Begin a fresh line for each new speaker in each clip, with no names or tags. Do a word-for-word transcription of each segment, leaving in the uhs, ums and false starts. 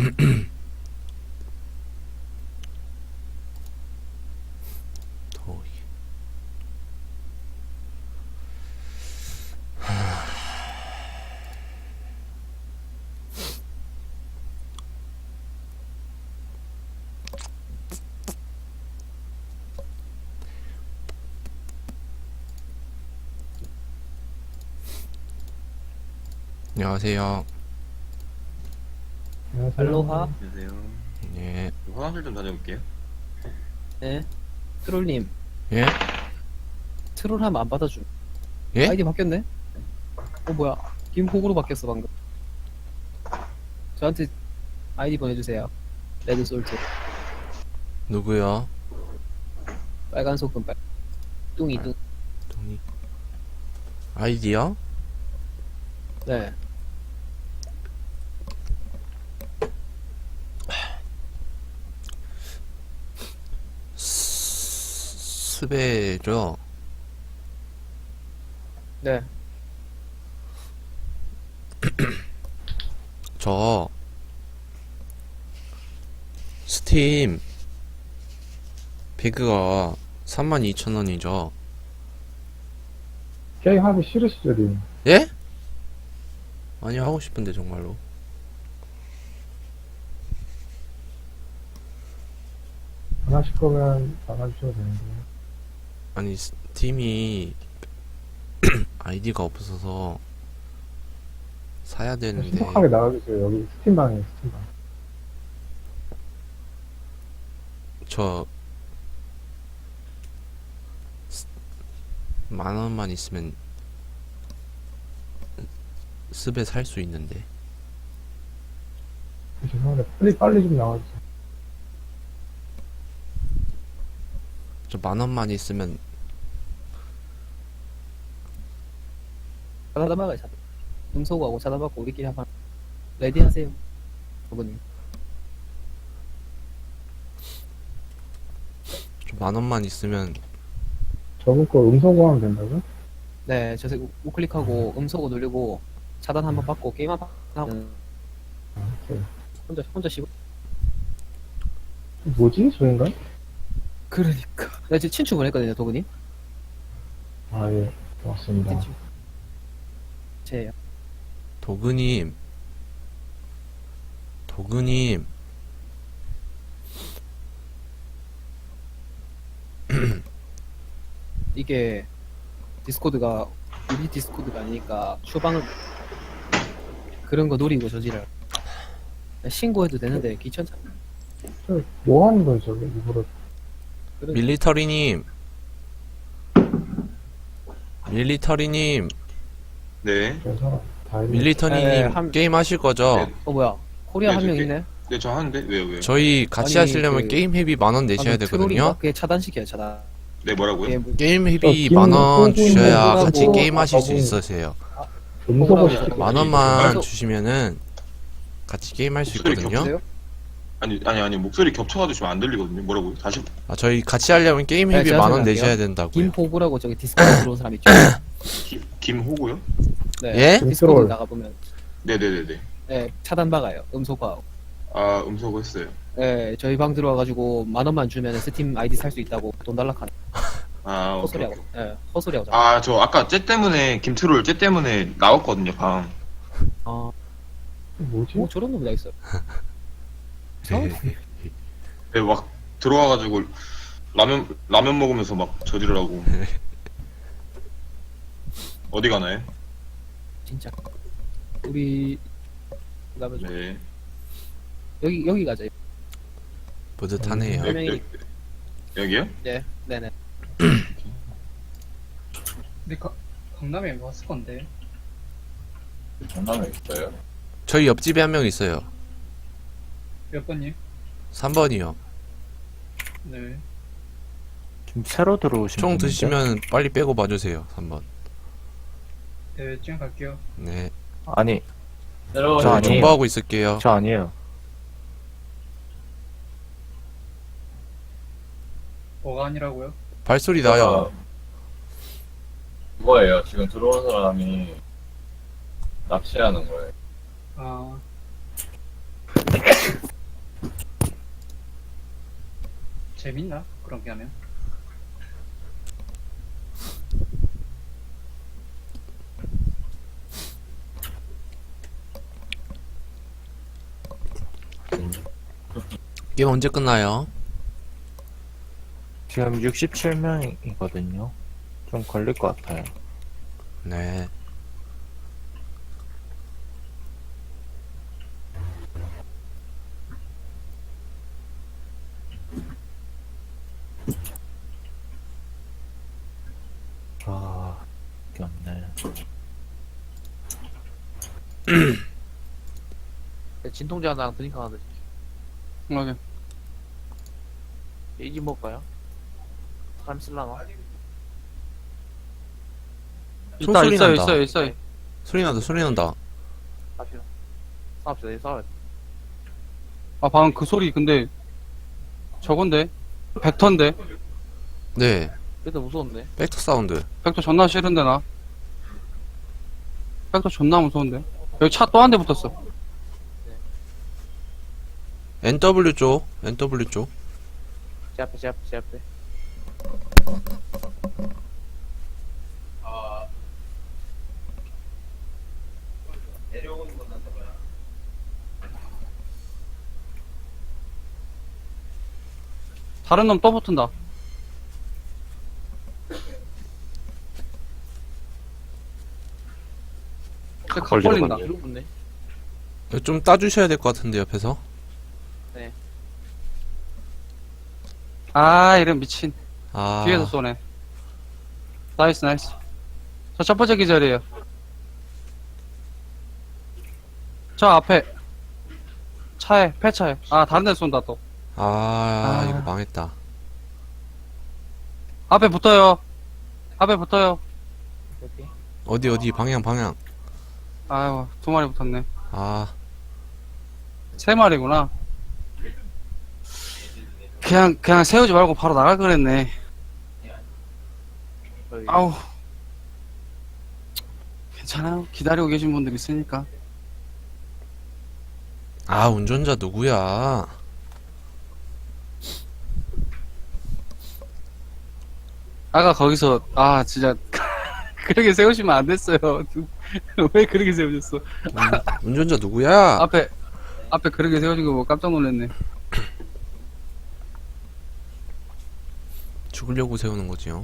더위. 안녕하세요.
알로하.
안녕하세요.
예.
화장실 좀 다녀올게요.
네. 트롤님,
예?
트롤하면 안 받아줌.
예?
아이디 바뀌었네? 어, 뭐야. 김호구로 바뀌었어, 방금. 저한테 아이디 보내주세요. 레드솔트.
누구요?
빨간 소금, 빨. 뚱이, 뚱.
동이. 아이디요?
네.
스- 스베죠?
네.
저 스팀 배그가 삼만 이천 원이죠.
게임 하기 싫으시죠, 님?
예? 아니 하고 싶은데 정말로.
안 하실 거면 나가주셔도 되는데.
아니 스팀이 아이디가 없어서 사야 되는데
신속하게 나가주세요. 여기 스팀방이에요, 스팀방.
저 만 원만 있으면 스베 살 수 있는데.
죄송한데, 빨리, 빨리 좀 나가주세요.
저 만 원만 있으면
차단 막아요, 차단. 음소거하고 차단 받고 우리끼리 한번. 레디 하세요. 어머님.
저 만 원만 있으면
저분 거 음성고 하면 된다고요?
네, 저 우클릭하고 음소거 누르고 차단 한번 받고 게임 한번 하고
아, 오케이.
혼자, 혼자 씹어.
뭐지, 저 인간?
그러니까. 나 지금 친추 보냈거든요, 도구님.
아, 예. 고맙습니다.
친추. 제예요.
도그님 도그님
이게 디스코드가 우리 디스코드가 아니니까 추방을 그런 거 노리고 저지를 신고해도 되는데 귀찮잖아.
저, 뭐 하는 거예요, 저게? 일부러.
그런
밀리터리님 밀리터리님
네.
저 사람 다 했네.
밀리터리님
네, 한-
게임 하실 거죠?
네.
어 뭐야 코리아
네,
한 명
저기-
있네.
네, 저 하는데 왜요, 왜요?
저희 같이
아니,
하시려면
그-
게임 회비 만 원 내셔야
방금
되거든요.
트롤인가? 그게 차단시켜요 차단.
네, 뭐라고요?
게 뭐-
게임
저
회비
김-
만 원
김-
주셔야
김-
같이
김-
게임 하실 수
김-
있으세요.
음성고
뭐라고
시키고.
만
아니,
원만
그래서-
주시면은 같이 게임 할 수
목소리
있거든요.
여보세요?
아니, 아니, 아니, 목소리 겹쳐가지고 지금 안 들리거든요. 뭐라고요? 다시.
아, 저희 같이 하려면 게임
네,
회비
제가
만 원
설명할게요.
내셔야 된다고요.
김호구라고 저기 디스코드 들어온 사람 있죠.
김, 김호고요?
네.
예?
디스코드
김트롤.
나가 보면
네네네네.
네, 차단 박아요. 음소거하고.
아, 음소거 했어요.
네, 저희 방 들어와가지고 만 원만 주면 스팀 아이디 살 수 있다고 돈 달락하는
아, 오케이,
헛소리하고.
오케이.
네, 헛소리하고. 자.
아, 저 아까 쟤 때문에, 김트롤 쟤 때문에 나왔거든요, 방.
아,
뭐지?
뭐 저런 놈이 다 있어.
네, 막 들어와가지고 라면, 라면 먹으면서 막 저지르라고. 어디 가나요?
진짜. 우리 가면 좀-
네.
여기 여기 가자.
뿌듯하네요.
여,
명이-
여, 여기요?
네, 네네.
근데 가, 강남에 왔을 건데.
강남에 있어요?
저희 옆집에 한 명 있어요.
몇 번님?
삼 번이요.
네.
지금 새로 들어오신
총
분인데?
드시면 빨리 빼고 봐주세요. 삼 번.
네, 지금 갈게요.
네.
아니
내려오세요.
저 아니에요.
정보하고 있을게요.
저 아니에요.
뭐가 아니라고요?
발소리 나요.
그거예요. 지금 들어온 사람이 납치하는 거예요.
아, 재밌나? 그런 게 하면?
게임 언제 끝나요?
지금 육십칠 명이거든요. 좀 걸릴 것 같아요.
네.
아, 이게 없네.
진통제 하나랑 드링크 하나 드릴게요.
오케이.
이지 먹을까요? 사람 쓸라나?
총 소리
있어요,
난다.
있어요, 있어요.
소리 난다, 소리 난다.
싸웁시다. 싸웁시다, 싸워야 돼.
아, 방금 그 소리, 근데, 저건데? 벡터인데?
네.
그래도 무서운데?
벡터 사운드.
벡터 존나 싫은데, 나? 벡터 존나 무서운데? 여기 차 또 한 대 붙었어.
엔더블유 쪽, 엔더블유 쪽.
제 앞에, 제 앞에, 제 앞에.
다른 놈 또 붙은다. 쟤 각 걸린다.
뒤로 붙네.
이거 좀 따주셔야 될 것 같은데, 옆에서.
아, 이런 미친.
아.
뒤에서 쏘네. 나이스, 나이스. 저 첫 번째 기절이에요. 저 앞에. 차에, 폐차에. 아, 다른 데 쏜다, 또.
아,
아.
이거 망했다.
앞에 붙어요. 앞에 붙어요.
오케이.
어디, 어디, 방향, 방향.
아이고, 두 마리 붙었네.
아,
세 마리구나. 그냥, 그냥 세우지 말고 바로 나갈 그랬네.
여기.
아우. 괜찮아요. 기다리고 계신 분들 있으니까.
아, 운전자 누구야?
아까 거기서, 아, 진짜. 그렇게 세우시면 안 됐어요. 왜 그렇게 세우셨어?
운, 운전자 누구야?
앞에, 앞에 그렇게 세우신 거 보고 깜짝 놀랐네.
죽으려고 세우는 거지요.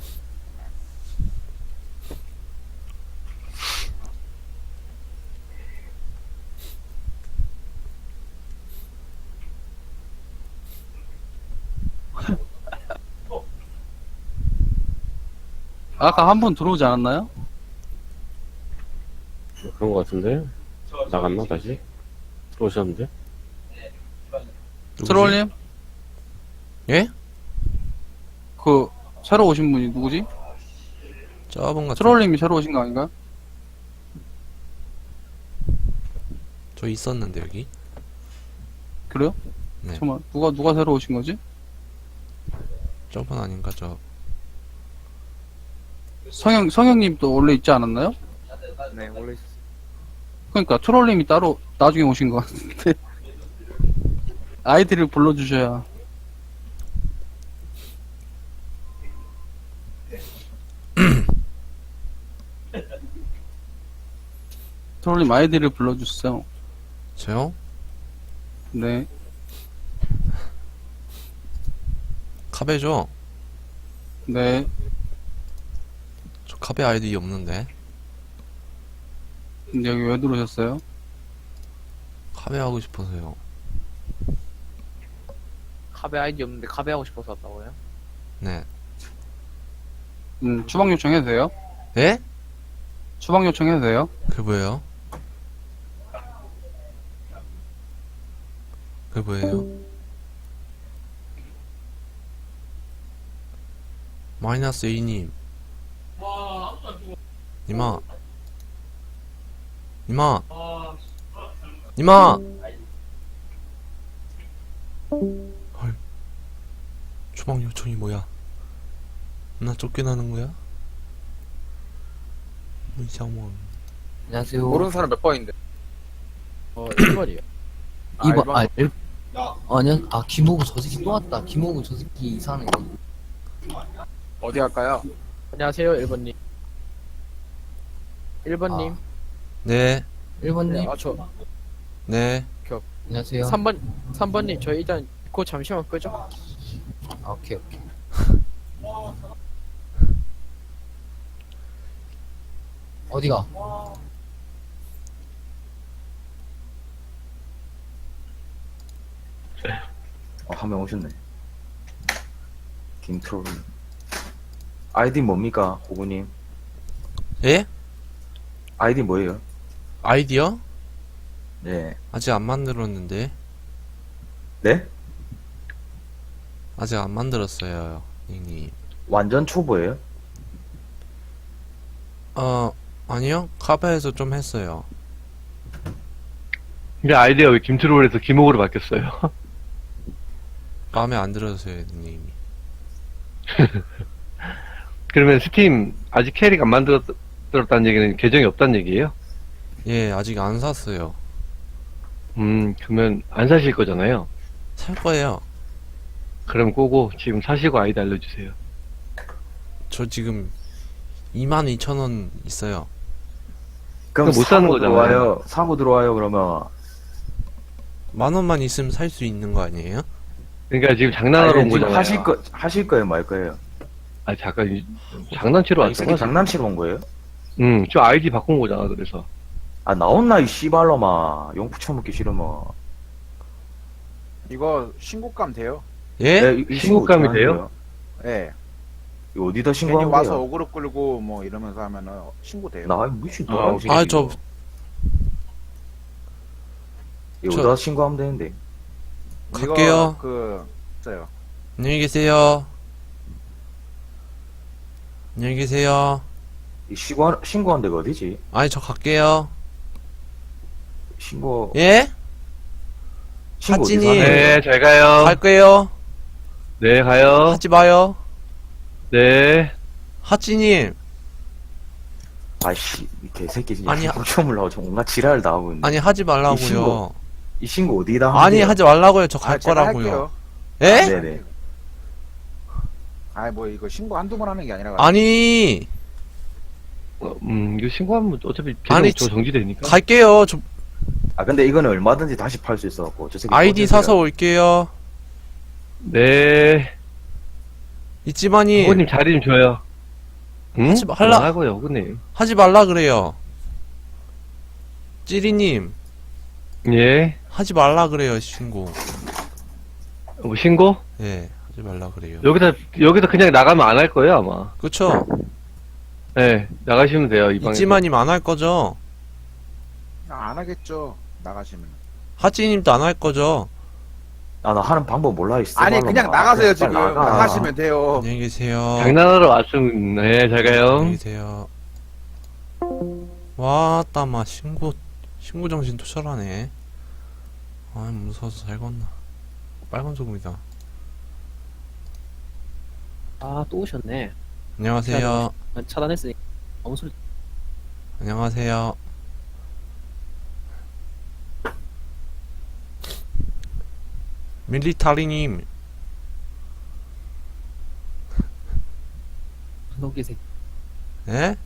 아까 한 분 들어오지 않았나요?
그런 거 같은데? 나갔나, 다시? 들어오셨는데?
누구지?
트롤님?
예?
그, 새로 오신 분이 누구지?
저분 같은.
트롤님이 새로 오신 거 아닌가요?
저 있었는데, 여기.
그래요?
네.
잠깐만, 누가, 누가 새로 오신 거지?
저분 아닌가, 저.
성형, 성형님도 원래 있지 않았나요?
네, 원래 있었어.
그러니까 트롤님이 따로 나중에 오신 것 같은데. 아이디를 불러주셔야. 트롤님 아이디를 불러주세요.
저요?
네.
카베죠?
네.
저 카베 아이디 없는데.
근데 여기 왜 들어오셨어요?
카베 하고 싶어서요.
카베 아이디 없는데 카베 하고 싶어서 왔다고요?
네.
음, 추방 요청해도 돼요?
예?
추방 요청해도 돼요?
그게 뭐예요? 그게 뭐예요? 마이너스 A님. 니마. 니마. 니마. 헐. 추방 요청이 뭐야? 나 쫓겨나는 거야? 문상원.
안녕하세요.
모르는 사람 몇 번인데? 어, 일 번이요.
이 번, 아, 일, 아니야, 아, 김호구 저 새끼 또 왔다. 김호구 저 새끼 이상해.
어디 갈까요?
안녕하세요, 일 번님. 일 번님.
네,
일 번님.
아, 저
네.
안녕하세요.
삼 번, 삼 번님, 저 일단 그거 잠시만 끄죠.
아, 오케이, 오케이. 어디가?
어, 한 명 오셨네. 김트롤. 아이디 뭡니까, 고구님?
예?
아이디 뭐예요?
아이디어?
네.
아직 안 만들었는데.
네?
아직 안 만들었어요, 닉님.
완전 초보예요?
어, 아니요. 카페에서 좀 했어요.
근데 아이디가 왜 김트롤에서 김옥으로 바뀌었어요?
마음에 안 들어서요, 닉님이.
그러면 스팀 아직 캐릭 안 만들었다는 얘기는 계정이 없다는 얘기예요?
예, 아직 안 샀어요.
음, 그러면 안 사실 거잖아요.
살 거예요.
그럼 꼬고 지금 사시고 아이디 알려주세요.
저 지금 이만 이천 원 있어요.
그럼
못 사는
사고
거잖아요.
들어와요. 사고 들어와요, 그러면.
만 원만 있으면 살 수 있는 거 아니에요?
그러니까 지금 장난하러 온
지금
거잖아요.
하실 거, 하실 거예요, 말 거예요?
아, 잠깐, 이- 장난치러
아, 이
왔어.
새끼 장난치러 온 거예요?
응, 저 아이디 바꾼 거잖아, 그래서.
아, 나온나, 이 씨발로마. 용푸 처먹기 싫으면.
이거 신고감 돼요?
예?
네, 이- 이 신고
신고감이
어떻게
돼요?
하는데요?
예.
이거 어디다
괜히
신고하면
와서
돼요?
어그로 끌고 뭐 이러면서 하면은 신고돼요.
나 미친
아,
돌아오
아, 저,
이거
저-
어디다 신고하면 되는데.
이거
갈게요.
그 있어요.
안녕히 계세요. 안녕히 계세요.
이 신고, 신고한 데가 어디지?
아니, 저 갈게요.
신고,
예?
신고 어디서
하진이.
하는 거예요?
네, 잘 가요.
갈 거예요.
네, 가요.
하지 마요.
네.
하찌님.
아이씨, 이 개새끼 진짜
아니,
공처물라고 좀 온갖 지랄을 다 하고 있네.
아니, 하지 말라고요.
이 신고 이 신고 어디다 하면
아니,
돼요?
하지 말라고요. 저 갈
아, 제가
거라고요.
할게요.
예?
네네.
아, 뭐 이거 신고 한두 번 하는 게 아니라.
아니,
어, 음, 이거 신고하면 어차피 계정
아니,
저 정지되니까.
갈게요. 저
아 근데 이거는 얼마든지 다시 팔 수 있어갖고 저 새끼
아이디
꽂아줘야
사서 올게요.
네.
있지만이
호구님 자리 좀 줘요. 응?
하지 마- 할라-
하고요, 호구님.
하지 말라 그래요. 찌리님,
예.
하지 말라 그래요, 신고.
뭐 신고?
예, 하지 말라 그래요.
여기서, 여기서 그냥 나가면 안 할 거예요, 아마.
그쵸?
네, 나가시면 돼요, 이 방에.
있지만님 안 할 거죠?
안 하겠죠. 나가시면.
하찌님도 안 할 거죠?
아나 하는 방법 몰라 이
아니
씨발로마.
그냥 나가세요
빨리
지금.
나가.
나가시면 돼요.
안녕히 계세요.
장난하러 왔으면, 네, 잘 가요.
안녕히 계세요. 와따 마 신고 신고 정신 투철하네. 아 무서워서 잘 건나. 빨간 소금이다.
아, 또 오셨네.
안녕하세요.
차단했으니. 아무 소리.
안녕하세요. 밀리타리님.
너기 새끼.
예?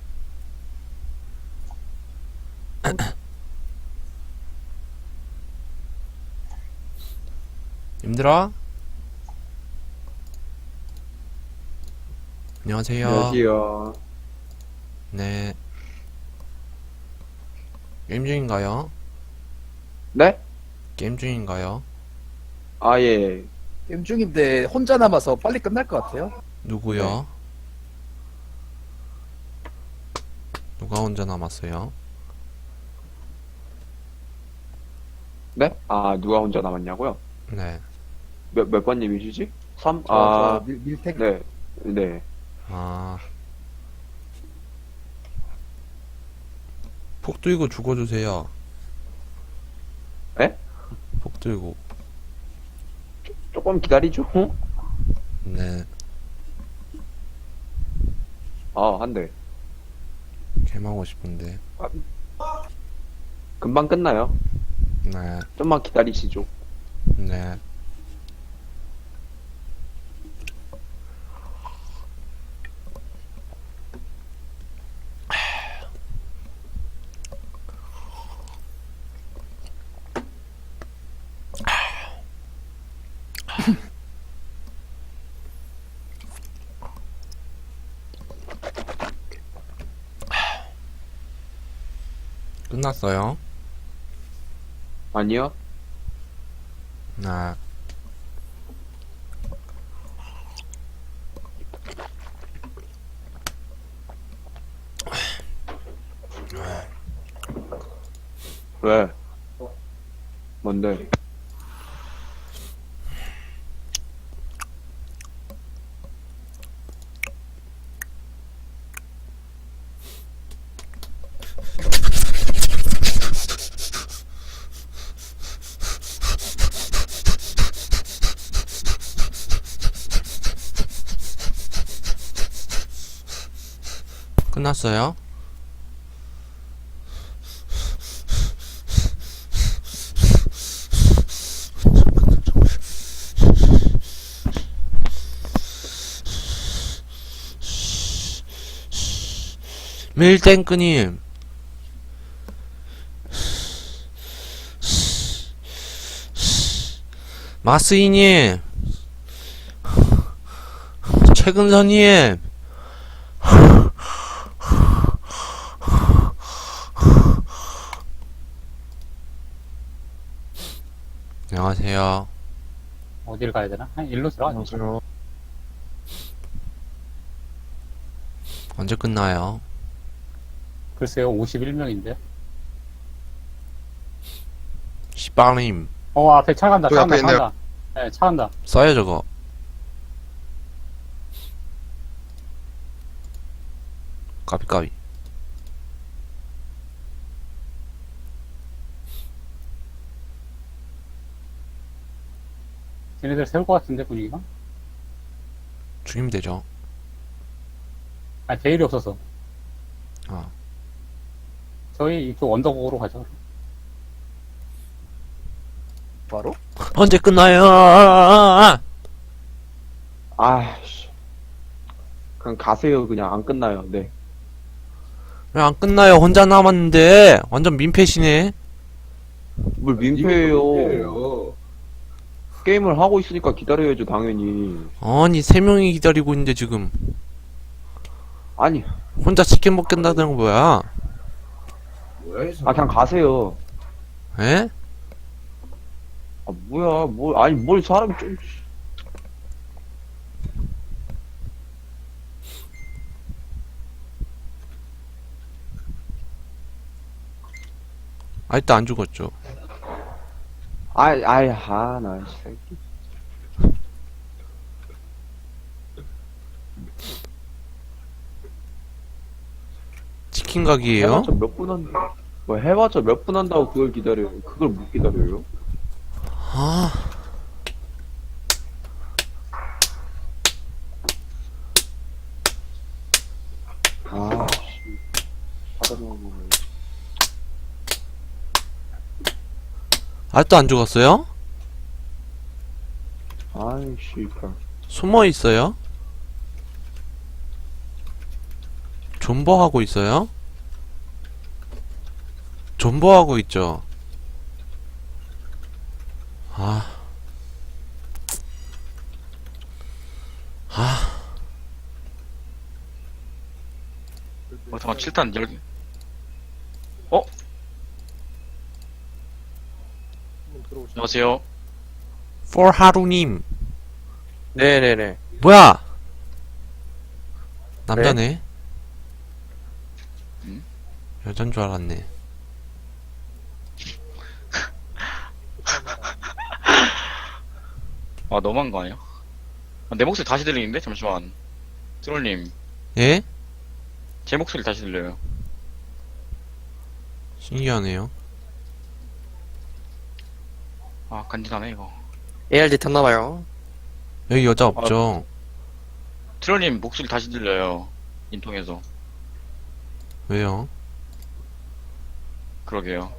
님들아? 안녕하세요.
안녕하세요.
네. 게임 중인가요?
네?
게임 중인가요?
아, 예.
게임 중인데 혼자 남아서 빨리 끝날 것 같아요.
누구요? 누가 혼자 남았어요?
네? 아, 누가 혼자 남았냐고요?
네.
몇, 몇 번님이시지? 삼?
저,
아,
저 밀, 밀택.
네. 네.
아. 폭 들고 죽어주세요.
에?
폭 들고.
조금 기다리죠.
네.
아, 한 대.
개하고 싶은데.
금방 끝나요.
네.
좀만 기다리시죠.
네. 끝났어요.
아니요.
네.
왜? 뭔데?
끝났어요. 밀땡크님 마스이님 최근선님 안녕하세요.
어디를 가야 되나? 일로 들어가.
안녕하세요.
언제 끝나요?
글쎄요, 오십일 명인데.
시바님
어, 앞에 차 간다,
저
차
앞에
간다, 차
있네요.
간다. 네, 차 간다.
써요 저거. 까비까비.
쟤네들 세울 것 같은데, 분위기가?
죽이면 되죠.
아, 제일이 없어서.
어.
저희 이쪽 언덕으로 가죠.
바로?
언제 끝나요?
아씨. 그냥 가세요. 그냥 안 끝나요. 네.
왜 안 끝나요? 혼자 남았는데 완전 민폐시네.
뭘 민폐예요. 게임을 하고 있으니까 기다려야죠, 당연히.
아니 세 명이 기다리고 있는데 지금
아니,
혼자 치킨 먹겠다는 거 뭐야?
아 그냥 가세요.
에?
아 뭐야, 뭘 아니 뭘 사람이 좀.
아직도 안 죽었죠.
아이 아이 아나 새끼.
치킨 가게예요?
해봤자 몇 분 한, 뭐 해봤자 몇 분 한다고 그걸 기다려요. 그걸 못 기다려요.
아,
아, 씨. 받아먹는 거.
아직도 안 죽었어요?
아이, 씨발.
숨어 있어요? 존버하고 있어요? 존버하고 있죠. 아, 아,
어, 잠깐, 칠 탄 열 개. 안녕하세요.
for 하루님.
네네네.
뭐야? 남자네?
음?
여잔 줄 알았네.
아, 너무한 거 아니야? 아, 내 목소리 다시 들리는데? 잠시만. 트롤님,
예?
제 목소리 다시 들려요.
신기하네요.
아, 간지나네, 이거.
에이알디 탔나봐요.
여기 여자 없죠?
트롤님 목소리 다시 들려요. 인통에서.
왜요?
그러게요.